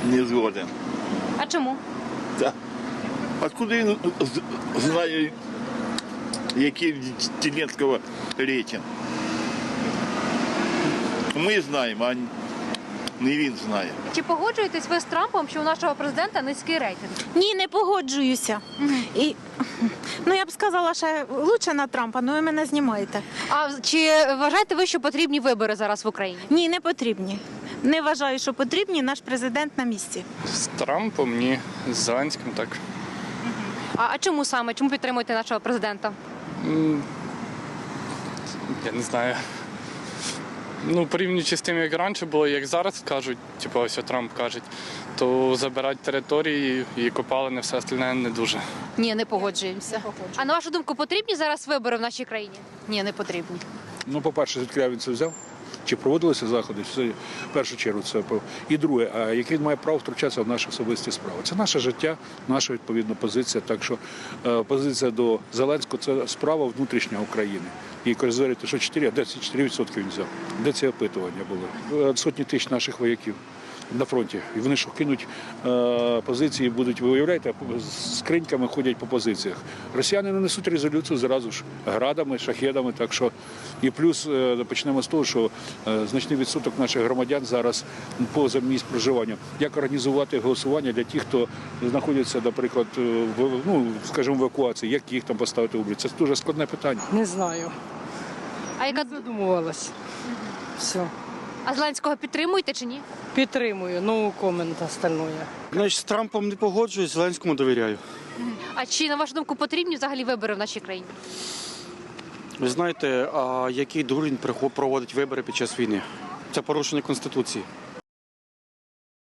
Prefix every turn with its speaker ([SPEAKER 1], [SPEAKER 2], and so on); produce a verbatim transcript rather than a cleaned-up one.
[SPEAKER 1] Не згоден.
[SPEAKER 2] А чому?
[SPEAKER 1] Так. Откуда він з- знає, який в Зеленського рейтинг? Ми знаємо, а не він знає.
[SPEAKER 2] Чи погоджуєтесь ви з Трампом, що у нашого президента низький рейтинг?
[SPEAKER 3] Ні, не погоджуюся. І, ну, я б сказала, що лучше на Трампа, але ви мене знімаєте.
[SPEAKER 2] А чи вважаєте ви, що потрібні вибори зараз в Україні?
[SPEAKER 3] Ні, не потрібні. Не вважаю, що потрібні, наш президент на місці.
[SPEAKER 4] З Трампом ні, з Зеленським так.
[SPEAKER 2] А, а чому саме? Чому підтримуєте нашого президента?
[SPEAKER 4] М, Я не знаю. Ну, порівнюючи з тим, як раніше було, як зараз кажуть, типу ось Трамп каже, то забирати території і копалини, все остальне не дуже.
[SPEAKER 2] Ні, не погоджуємося. А на вашу думку, потрібні зараз вибори в нашій країні?
[SPEAKER 5] Ні, не потрібні.
[SPEAKER 6] Ну, по-перше, звідки він це взяв? Чи проводилися заходи? Це в першу чергу це по- і друге, а яке він має право втручатися в наші особисті справи? Це наше життя, наша відповідна позиція. Так що е, позиція до Зеленського це справа внутрішня України. І говорити, що чотири, а де ці чотири відсотки він взяв? Де ці опитування були? Е, Сотні тисяч наших вояків на фронті. І вони що кинуть е, позиції, будуть, ви уявляєте, з скриньками ходять по позиціях. Росіяни не несуть резолюцію зразу ж градами, шахедами. Так що і плюс е, почнемо з того, що е, значний відсоток наших громадян зараз поза місць проживання. Як організувати голосування для тих, хто знаходиться, наприклад, в ну, скажімо, в евакуації, як їх там поставити в облік? Це дуже складне питання.
[SPEAKER 5] Не знаю.
[SPEAKER 2] А яка
[SPEAKER 5] Задумувалась. Все.
[SPEAKER 2] а Зеленського підтримуєте чи ні?
[SPEAKER 5] Підтримую, no комент остальное.
[SPEAKER 7] Значить, з Трампом не погоджуюсь, Зеленському довіряю.
[SPEAKER 2] А чи на вашу думку потрібні взагалі вибори в нашій країні?
[SPEAKER 7] Ви знаєте, а який дурень прихо- проводить вибори під час війни? Це порушення Конституції.